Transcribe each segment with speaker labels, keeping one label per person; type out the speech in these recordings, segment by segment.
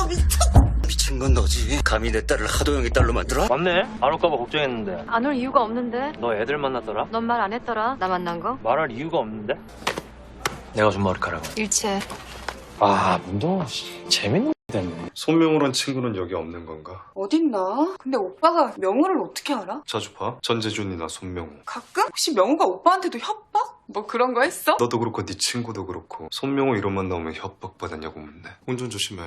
Speaker 1: 미친 건 너지. 감히 내 딸을 하도영이 딸로 만들어?
Speaker 2: 맞네. 안 올까봐 걱정했는데.
Speaker 3: 안 올 이유가 없는데.
Speaker 2: 너 애들 만났더라?
Speaker 3: 넌 말 안 했더라. 나 만난 거.
Speaker 2: 말할 이유가 없는데? 내가 준 머리카락.
Speaker 3: 일체.
Speaker 2: 아, 문동아 재밌는 됐네.
Speaker 4: 손명호란 친구는 여기 없는 건가?
Speaker 5: 어딨나? 근데 오빠가 명호를 어떻게 알아?
Speaker 4: 자주 봐? 전재준이나 손명호.
Speaker 5: 가끔? 혹시 명호가 오빠한테도 협박? 뭐 그런 거 했어?
Speaker 4: 너도 그렇고 네 친구도 그렇고 손명호 이름만 나오면 협박받았냐고 묻네. 운전 조심해.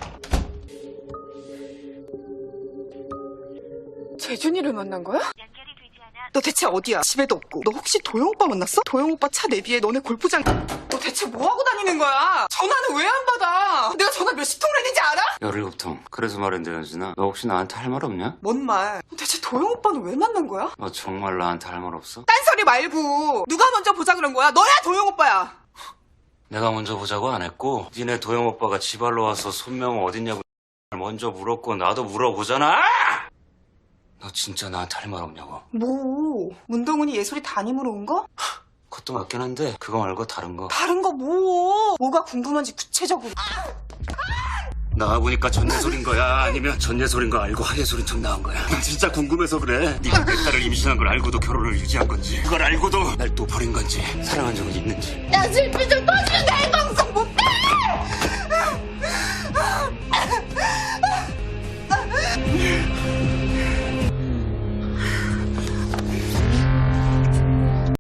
Speaker 5: 재준이를 만난 거야? 너 대체 어디야? 집에도 없고. 너 혹시 도영 오빠 만났어? 도영 오빠 차 내비에 너네 골프장. 너 대체 뭐 하고 다니는 거야? 전화는 왜 안 받아? 내가 전화 몇십 통을 했는지 알아?
Speaker 1: 17통. 그래서 말인데 연진아, 너 혹시 나한테 할 말 없냐?
Speaker 5: 뭔 말? 너 대체 도영 오빠는 왜 만난 거야?
Speaker 1: 너 정말 나한테 할 말 없어?
Speaker 5: 딴소리 말고 누가 먼저 보자 그런 거야? 너야 도영 오빠야.
Speaker 1: 내가 먼저 보자고 안 했고 니네 도영 오빠가 지발로 와서 손명호 어딨냐고 먼저 물었고 나도 물어보잖아. 너 진짜 나한테 할 말 없냐고.
Speaker 5: 뭐? 문동훈이 예솔이 담임으로 온 거?
Speaker 1: 그것도 맞긴 한데 그거 말고 다른 거.
Speaker 5: 다른 거 뭐? 뭐가 궁금한지 구체적으로.
Speaker 1: 나와보니까 전예솔인 거야? 아니면 전예솔인 거 알고 하예솔인 척 나온 거야? 나 진짜 궁금해서 그래. 네가 내 딸을 임신한 걸 알고도 결혼을 유지한 건지, 그걸 알고도 날 또 버린 건지, 사랑한 적은 있는지.
Speaker 3: 야, 슬피 좀 터지면 돼,